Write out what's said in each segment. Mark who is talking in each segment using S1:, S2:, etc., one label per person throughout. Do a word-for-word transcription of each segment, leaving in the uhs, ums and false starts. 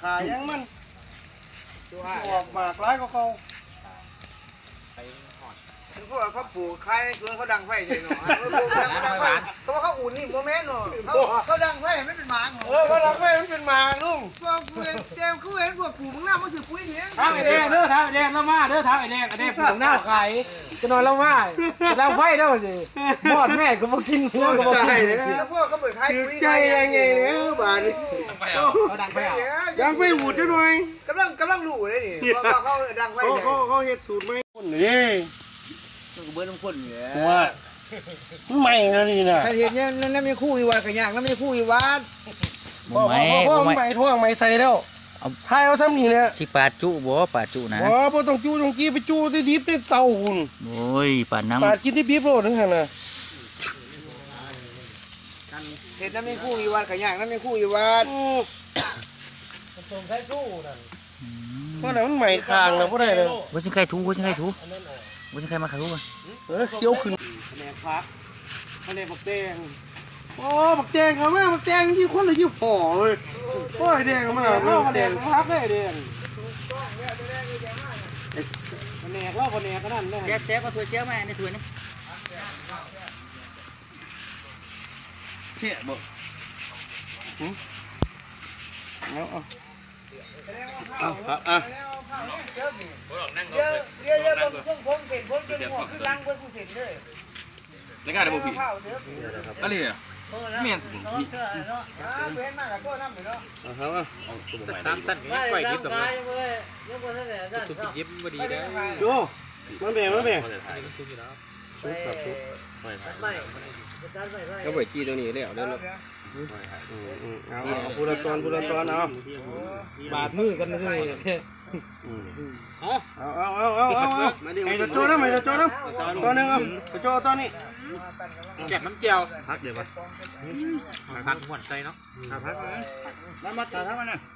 S1: ขายังมันออกมากร้ายก็เขา
S2: คือพวกเขาปลูกคล้ายในสวนเขาดังไฟใช่หรอเขาเขาอุ่นนี่โมเมนต์หรอเขาเขาดังไฟไม่เป็นหมาเออ
S1: เขาดังไฟมันเป็นหมาลุง
S2: พวกกูเห็นเจมเขาเห็นพวกปลูกมึงหน้ามันสืบปุ๋ยเนี่ย
S3: ท้าไอแดงเด้อท้าไอแดงแล้วมาเด้อท้าไอแดงไอแดงปลูกหน้าไข่จะนอนแล้วมาดังไฟเด้อสิมอดแม่ก็มากินเนื้อก็มากิน
S2: แล้วพวกเขาเปิดคล้ายปุ๋ย
S1: ใจยังไงเนี่ยบ้านนี้
S3: ดังไฟอ่ะ
S1: ดังไฟหูดจะหน่อย
S2: กำลังกำลังรู้เลยนี่เขาเขาดังไฟ
S1: เขาเขาเห็ดสูตรไหมคนนี่
S2: ก็เบิร์นคนเนี่ย
S1: ว่าไม่นะนี่นะ
S2: ใครเห็นเนี่ยนั่นไม่คู่อีวัดกันยากนั่นไม่คู่อีวัด
S1: ไม่ไม่ท่วงไม่ใส่แล้วทายเอาซ้ำนี่เนี่ย
S4: สิปลาจุบ่ปลาจุนะ
S1: บ่บ่ต้องจุต้องกี้ไปจุที่ดิบในเตาหุ่น
S4: โอ้ยปลาน้ำ
S1: ปลากินที่ดิบโลดนึงหั่นน่ะ
S2: เห็นนั่นไม่คู่อีวัดกันยากนั่นไม่คู่อีวัด
S3: ส่งใช้สู้นั่น
S1: เพราะนั้นมันใหม่คางแล้วบ่ได้เลย
S4: ว่าสิใครถูว่าสิใครถูว่าสิใครมาขายถู
S1: เออเคี้ยวขึ้น
S3: แหนพักแหนบักแดง
S1: โอ้บักแดงครับแม่บักแดงที่คนเลยที่ห่อเลยโอ้ยแดงมา
S3: เล่าแดงพักได้แดงแหนเล่าแหนก็นั่นได้
S4: แจ๊บแจ๊บมาถวยเจ้ามาในถวยนี่
S1: เชี่ยบ่เอาเอาเอาครับอ่ะ
S2: เดี๋ยวเดี๋ยวเดี๋ยวผมส่งผมเสร็จผมจะหัวขึ้นลังเพื่อนผู้เสร็จเลย
S5: ในการได้บ่พี่อะไรอ่ะเมียนสุดพี่
S2: เว้นมากกับตัวน้ำอยู่เนาะ
S1: เอาเอา
S5: ตามสั้นไม่ไหวยิบตรงนี้สุดยิบพอดีได้
S1: ดูมันแบ่งมันแบ่ง
S5: ชุบอยู่แล้ว
S1: ชุบแบบชุบ
S5: ไม่ก็ไหวจีตรงนี้แล้วแล้ว
S1: เอาพูดตอนพูดตอนเอา
S3: บาดมือกันนะใช่ไหม
S1: เอาเอาเอาเอาเอาไอ้ตัวโจ้นะไอ้ตัวโจ้นะตัวนึงเอาตัวโจ้ตัวนี้
S5: แจกน้ำเจียวพักเดี๋ยวมาพักหวานใจเนาะพักมามาตาทั้งมันน่ะ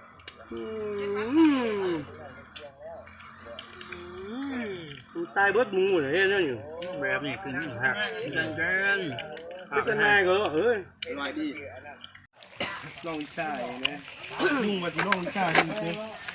S1: ตายเบิดมูเลยเนี่ยอยู่
S5: แบบนี้คือนี่หักจังจัง
S1: ไม่เป็นไงก็เฮ้ยลอยดีลองใช่นะลุงมาที่ลองใช่จริง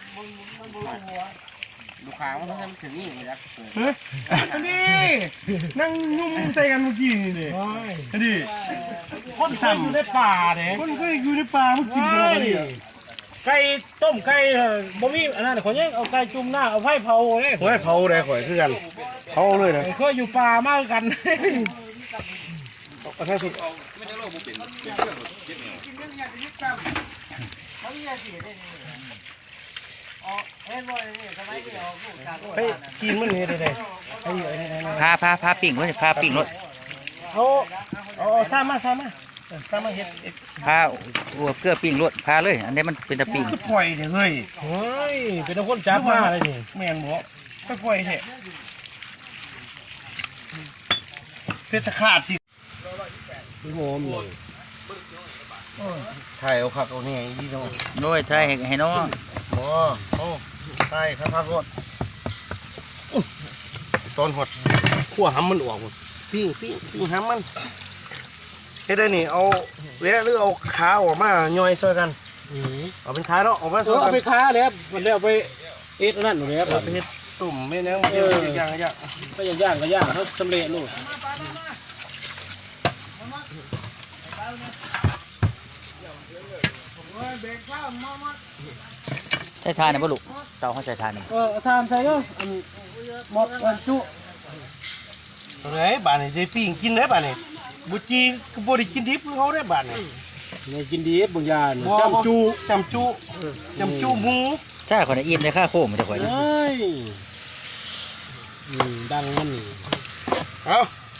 S5: ลูกค้ามันต้องถึงนี่เลยนะ
S1: เฮ้ยอันนี้นั่งนุ่มใจกันเมื่อกี้นี่เลยอันนี้
S3: คนเคยอยู่ในป่าเนี่ย
S1: คนเคยอยู่ในป่าเมื่อกี้เลย
S3: ไก่ต้มไก่บ่มีอันนั้นขอแยกเอาไก่จุ่มหน้าเอาไฟเผาเลย
S1: ไฟเผาเลยข่อยคือกันเผาเลยนะ
S3: เคยอยู่ป่ามากกัน
S1: เอาแค่สุด
S5: ไม่ได้โลกบุเป็น
S1: เฮ้ยกินมันนี่ได้
S4: พาพาพาปิ่งรถพาปิ่งรถ
S3: เอาเอาซ้ำมาซ้ำมาซ้ำมาเห็ด
S4: พาหัวเกลือปิ่งรถพาเลยอันนี้มันเป็นตะปิ่ง
S1: ปล่อยเถอะเฮ้ย
S3: เฮ้ยเป็นคนจับมาเลยนี่
S1: แม่งบอกก็ปล่อยเถอะเพชรขาดสิ
S3: โง่เลย
S1: ถ่ายเอาขับเอาเนี่ยยี่น้อง
S4: น้อยไทยให้น้อง
S1: โอ้โอ้ใช่ครับพักรถตอนหดขั้วห้ำมันออกปิ้งปิ้งปิ้งห้ำมันเฮ้ยได้นี่เอาเละหรือเอาขาออกมาย่อยซอยกันเอาเป็นขาเนาะออกมาซอยกัน
S3: เอาไปขาเลยครับมันเรียกไปเอ็ดนั่นเลยครับ
S1: ไปเฮ็ดตุ่มไม่เนื้อมันเยอะย่างย่าง
S3: ก็ย่างย่างก็ย่างเขาสำเร็จลูก
S4: ใช้ทานเนี่ยบ่ลูกเจ้าเขาใช้ทานเนี่ย
S3: เออทานใส่ก็หมดวันจุ
S1: อะไรบ้านนี่จะปิ้งกินได้บ้านนี่บุจีก็บริกินดิบเขาได้บ้านนี่
S3: เนี่ยกินดิบบางอย่างจำจู
S1: จำจูจำจูหมู
S4: ใช่คนอิ่มในข้าโค้งมันจะข่อย
S3: เฮ้ยดังมันนี่
S1: เอา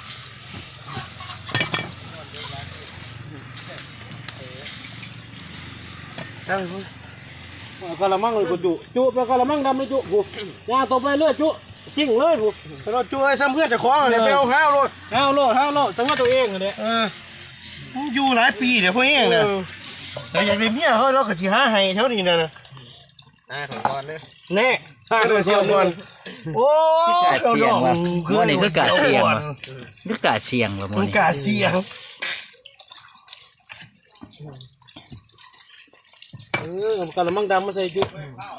S1: จัง
S3: กะละมังเลยกูจุจุไปกะละมังดำเลยจุกูยาตบไปเรื่อยจุสิ่งเลยกู
S1: เราจุไอ้ซ้ำเพื่อนจะคล้องเลยไปเอาข้าวโลด
S3: ข้าวโลดข้าวโลดจังว่าตัวเองเลย
S1: เอออยู่หลายปีเดี๋ยวพวกเองเนี่ยแต่อยากได้เมียเขาเราก็สิหาให้เท่านี้นะนะ
S5: น่าของก่อนเลย
S1: แน่ห้าตัวเชียวก่อนโอ้
S4: ยเสียงว่ะคือนี่คือกาเสียงว่ะคือกาเสียงว่ะ
S1: มันกาเสียง
S3: เออกระมังดำมาใส่จุ๊บ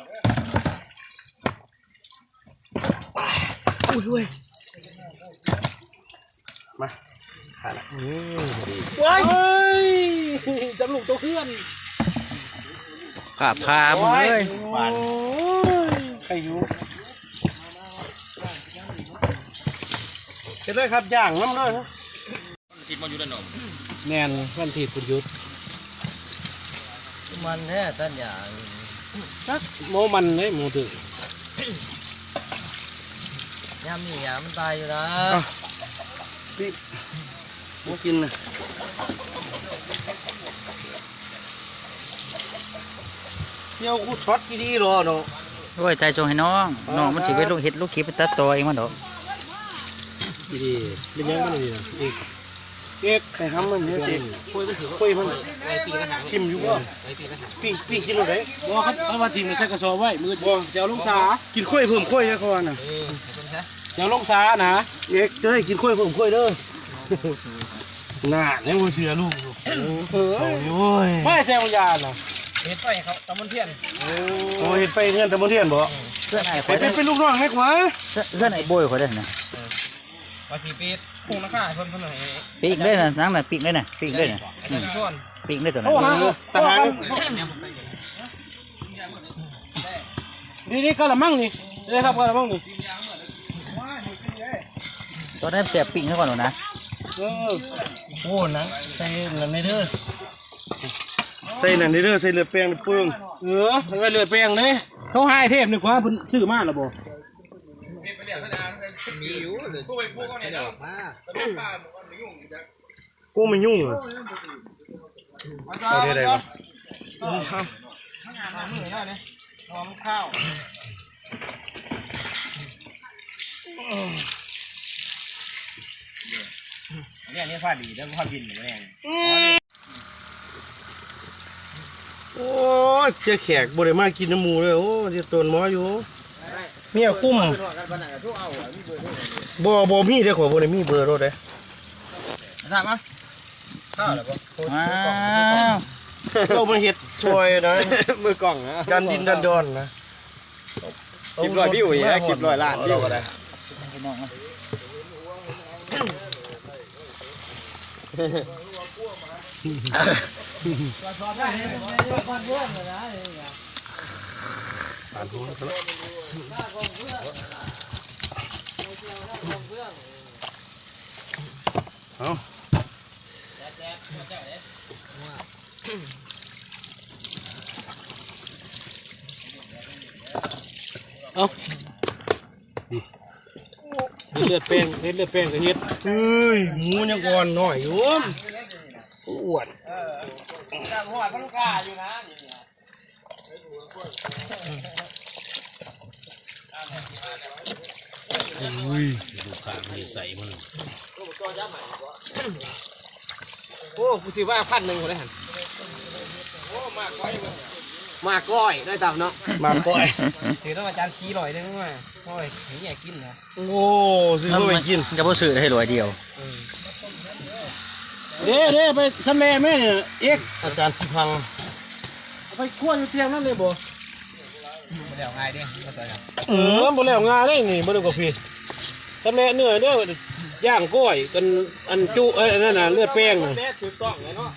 S1: อุ้ยเว้ยมาขาดละอืมดี
S3: ว้ายจำลูกตัวเพื่อน
S4: ขาพามึงเลย
S1: หวาน
S3: ใครอยู่
S1: เสร็จเลยครับย่างน้ำเลยครับ
S5: คิดมาอยู่ด้านนอก
S3: แนนวันที่สุดยุทธ
S2: มันแท้ต้นอย่าง
S3: จักโมมันเลยโมถือย
S2: ามนี่ยามมันตายอยู่นะ
S1: พี่มากินนะเที่ยวกูช็อตกี่ดีหรอเนาะ
S4: โอ้ยใจชงให้น้องน้องมันสิไปลูกเห็ดลูกขีไปตัดตัวเองมันดอก
S3: ดีเป็นยังไงดีนะอีกเอก
S1: ใครทำมันเนี่ยเด็ก
S5: คุยไปถือว่า
S1: คุยมัน
S5: ไอ้ปีกระหัง
S1: จิ้มอยู่บ่
S5: ไอ้ปีกระหัง
S1: ปิ้งปิ้งกินอะไร
S3: บัวเขาเขามาทิ้งในใส่กระสอบไว้มือบัวเดี๋ยวลงสา
S1: กินข้อยเพิ่มข้อยนะเขาว่าน่ะ
S5: เออเห็นไหม
S3: เดี๋ยวลงสานะ
S1: เอกจะให้กินข้อยเพิ่มข้อยเด้อน่าเนี่ยกูเชื่อลูก
S3: เออ
S1: โอ้ย
S3: ไม่แซงยาน่ะ
S5: เห็นไปเขาตะมันเทียน
S1: โอ้ยเห็ดไปเงินแต่บ่เทียนบ่
S4: เพื่อนไอ้ค
S1: ไป
S4: อย
S1: เป็นเป็นลูกน้องให้ขวา
S4: เพื่อนไอ้โบยคอยได้นะ
S5: มาสีปีดพุ่งราคาเพิ่มเพิ่มหน่อย
S4: ปีกได้นะนั่งน่ะปีกได้นะปีกได้นะ
S5: ไอ้ต้นส่วน
S4: ปีกได้ตัวนั้
S3: โอ้
S4: น
S3: ฮะ
S1: ทหาร
S3: นี่นี่กระมังนี่นี่ครับกระมังนี่
S4: ตัวนั้นเสียปีกซะก่อนหนูนะ
S3: เออ
S1: โอ้นังใส่นั่นในเด้อใส่นั่นในเด้อใส่เลือดแป้งในเปลือง
S3: เออไปเลือดแปลงเลยเขาให้เทพนี่กว่าเพิ่นซื้อมาแล้วบ่
S5: มีอยู่เลยพวกไอ้พวกเนี่ยเดี๋ยวมา
S1: กูไม่ยุ่งอ่ะเอาได้ไงวะ
S5: หอมข้าว เนี่ยนี่ผ้าดีแล้วผ้าบินหรือไง
S1: โอ้ยเจ้าแขกบ่ได้มากินน้ำหมูเลยโอ้จะตนหมออยู่เมียคุ้มบ่บ่มีเด้อขอบ่ได้มีเบอร์รถเด้
S5: ถามมาข้าวหรือเปล่า
S4: ว้าว
S1: เรามาเฮ็ดช่วยนะ
S5: มือกล่องนะ
S1: ดันดินดันดอนนะ
S5: คลิปร้อยวิวอย่างเงี้ยคลิปร้อยล้านวิวอะไร
S4: พี่น้องนะ
S1: เอา
S3: เลือดแปลงเฮ็ดเลือดแปลงก็เฮ็ด
S1: เฮ้ยหมูยังอ่อนหน่อยอยู่อ้วน
S5: จากหัวพลูกาอยู่นะ
S1: อุ้ยดูขาไม่ใส่มัน
S5: โอ้กูซื้อว่าพันหนึ่งคนได้หันโอ้มาก้อยมาก้อยได้ตามเนาะ
S1: มาก่อย
S5: ซื้อต้องอาจารย์ชี้ลอยได้ไหมก้อยนี่อยากกินนะ
S1: โอ้ซื้อเข้าไปกิน
S4: จะบ่ซื้อให้รวยเดียว
S3: เด้เด้ไปทำแม่แม่เนี่ยเอก
S1: อาจารย์สิพัง
S3: ไปคั่วอยู่เตียงนั่นเลยบ่
S5: เดี๋ยวง่ายดิเข้าใจครับ
S3: เออบ่แล้วงาได้นี่บ่ได้กับพี่ทำแม่เนื้อเด้อย่างก้อยกันอันจุเอ้ยนั่นน่ะเลือดแป้งน่ะ
S5: แม่ถือกล้องเลยเนาะ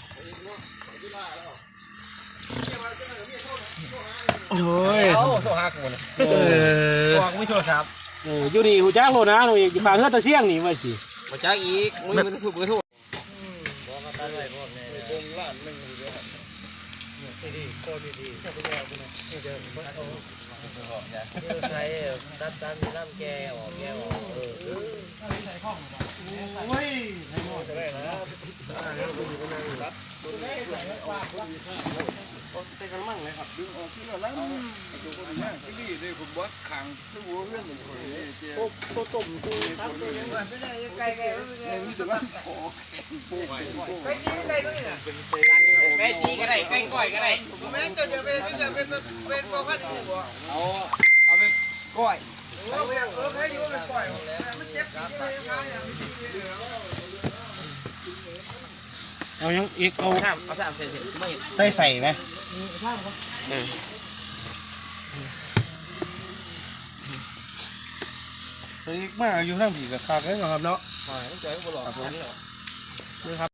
S1: โอ้ย
S5: เอาโทรหากูนะ
S1: เออ
S5: ตัวกูไม่โทรศัพท์
S3: เอออยู่นี่หูจ้างโลนะหนูอยู่ฝากเฮือตะเสี่ยงนี่ไว้สิ
S5: มาจ้าอีกมึงไม่ถูกไม่ถูก
S2: ใครตัดตันน้ำแกออกแกออกเออ
S1: โอ้ย
S2: ไก่ไก่ไก่จีไก่ด้วยน่ะ
S5: ไก่จีก็ได้ไก่ก้อยก็ได้
S2: แม่จะจะเป็นจะเป็นเป็นพวกพันธุ์บ่
S5: เอาเอาไปก้อย
S2: เอาไปเออใครอยู่เป็นปล่อยมันเจ็บสิเจ็บยังไง
S3: เอายังอีกเอา
S5: สามเอาสามเซนเซนไม่
S1: ใส่ใส่ไหมตัวนี้มาอยู่ทั้งผีกับคากันเหรอครับเนาะ
S3: มาตั้งใจก็บ่หลอก
S1: ครับผม